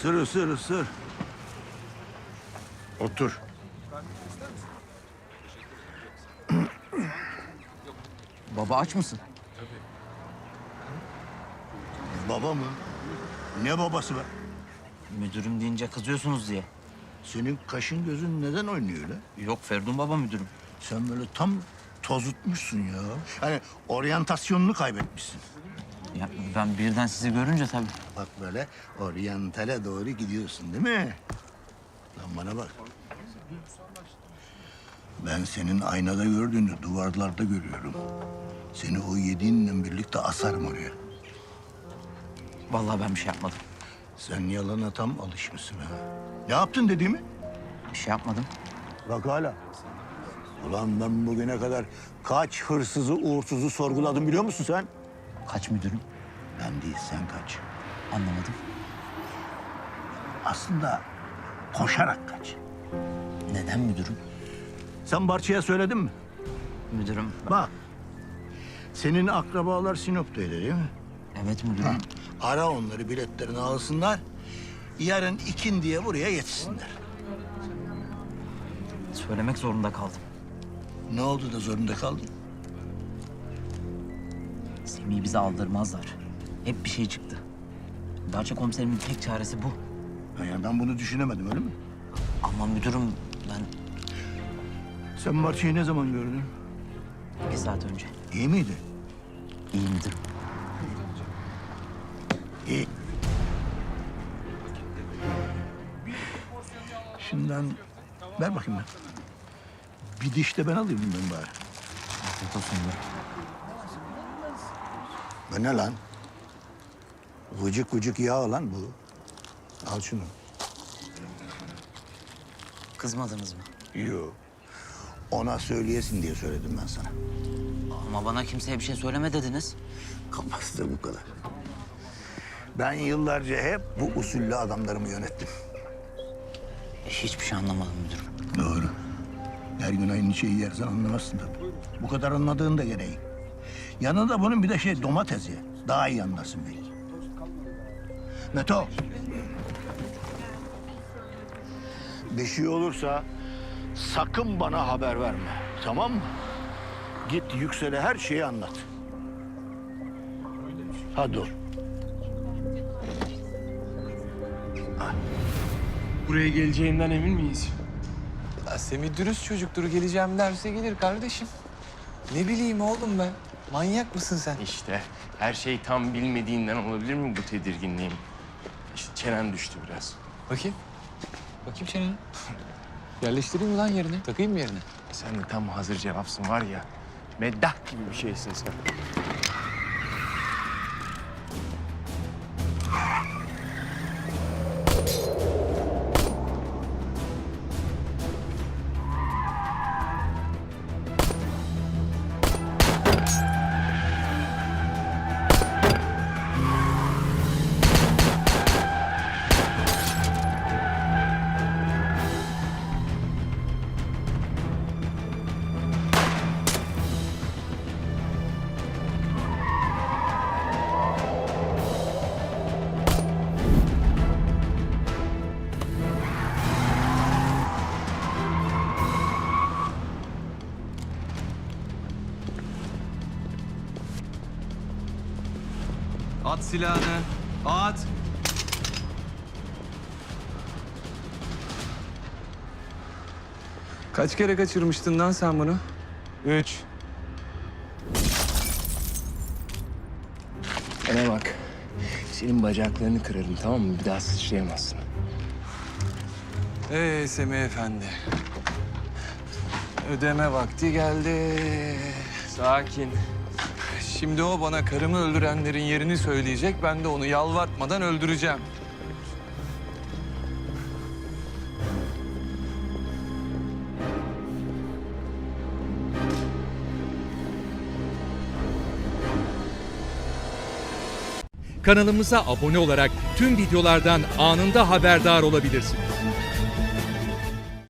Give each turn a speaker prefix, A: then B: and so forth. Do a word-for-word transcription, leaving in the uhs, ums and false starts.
A: Isır, ısır, ısır. Otur.
B: Baba aç mısın?
A: Baba mı? Ne babası be?
B: Müdürüm deyince kızıyorsunuz diye.
A: Senin kaşın gözün neden oynuyor öyle?
B: Yok Ferdun baba müdürüm.
A: Sen böyle tam tozutmuşsun ya. Hani oryantasyonunu kaybetmişsin.
B: Ya ben birden sizi görünce tabii.
A: Bak böyle oryantale doğru gidiyorsun değil mi? Lan bana bak. Ben senin aynada gördüğünü duvarlarda görüyorum. Seni o yediğinle birlikte asarım oraya.
B: Vallahi ben bir şey yapmadım.
A: Sen yalana tam alışmışsın ha. Ne yaptın dediğimi?
B: Bir şey yapmadım.
A: Bak hala. Ulan ben bugüne kadar kaç hırsızı, uğursuzu sorguladım biliyor musun sen?
B: Kaç müdürüm?
A: Ben değil, sen kaç.
B: Anlamadım.
A: Aslında koşarak kaç.
B: Neden müdürüm?
A: Sen Barça'ya söyledin mi?
B: Müdürüm.
A: Bak, senin akrabalar Sinop'taydı değil mi?
B: Evet müdürüm.
A: Ara onları, biletlerini alsınlar. Yarın ikin diye buraya yetişsinler.
B: Söylemek zorunda kaldım.
A: Ne oldu da zorunda kaldın?
B: Semih'i bize aldırmazlar. Hep bir şey çıktı. Barça komiserimin tek çaresi bu.
A: Ha, Yani ben bunu düşünemedim öyle mi?
B: Ama müdürüm ben
A: Sen Barça'yı ne zaman gördün?
B: bir saat önce.
A: İyi miydi?
B: İyi müdürüm.
A: İyi. Şimdiden ver bakayım ben. Bir diş de ben alayım bundan bari.
B: Afiyet olsun müdürüm.
A: Bu ne lan? Vıcık vıcık yağ lan bu. Al şunu.
B: Kızmadınız mı?
A: Yok. Ona söyleyesin diye söyledim ben sana.
B: Ama bana kimseye bir şey söyleme dediniz.
A: Kafası da bu kadar. Ben yıllarca hep bu usulle adamlarımı yönettim.
B: Hiçbir şey anlamadım müdürüm.
A: Doğru. Her gün aynı şeyi yersen anlamazsın tabii. Bu kadar anladığın da gereği. Yanında bunun bir de şey domates ye. Daha iyi anlarsın belki. Meto. Bir şey olursa sakın bana haber verme. Tamam mı? Git Yüksel'e her şeyi anlat. Hadi dur.
C: Buraya geleceğinden emin miyiz? Ya Semih dürüst çocuktur. Geleceğim derse gelir kardeşim. Ne bileyim oğlum ben. Manyak mısın sen?
D: İşte her şey tam bilmediğinden olabilir mi bu tedirginliğim? İşte çenen düştü biraz.
C: Bakayım. Bakayım çeneni. Yerleştireyim mi lan yerine? Takayım mı yerine?
D: Sen de tam hazır cevapsın var ya. Meddah gibi bir şeysin sen.
C: At silahını. At. Kaç kere kaçırmıştın lan sen bunu?
D: Üç. Bana bak. Senin bacaklarını kırarım tamam mı? Bir daha sıçrayamazsın.
C: Ee Semih Efendi. Ödeme vakti geldi.
D: Sakin.
C: Şimdi o bana karımı öldürenlerin yerini söyleyecek. Ben de onu yalvartmadan öldüreceğim.
E: Kanalımıza abone olarak tüm videolardan anında haberdar olabilirsiniz.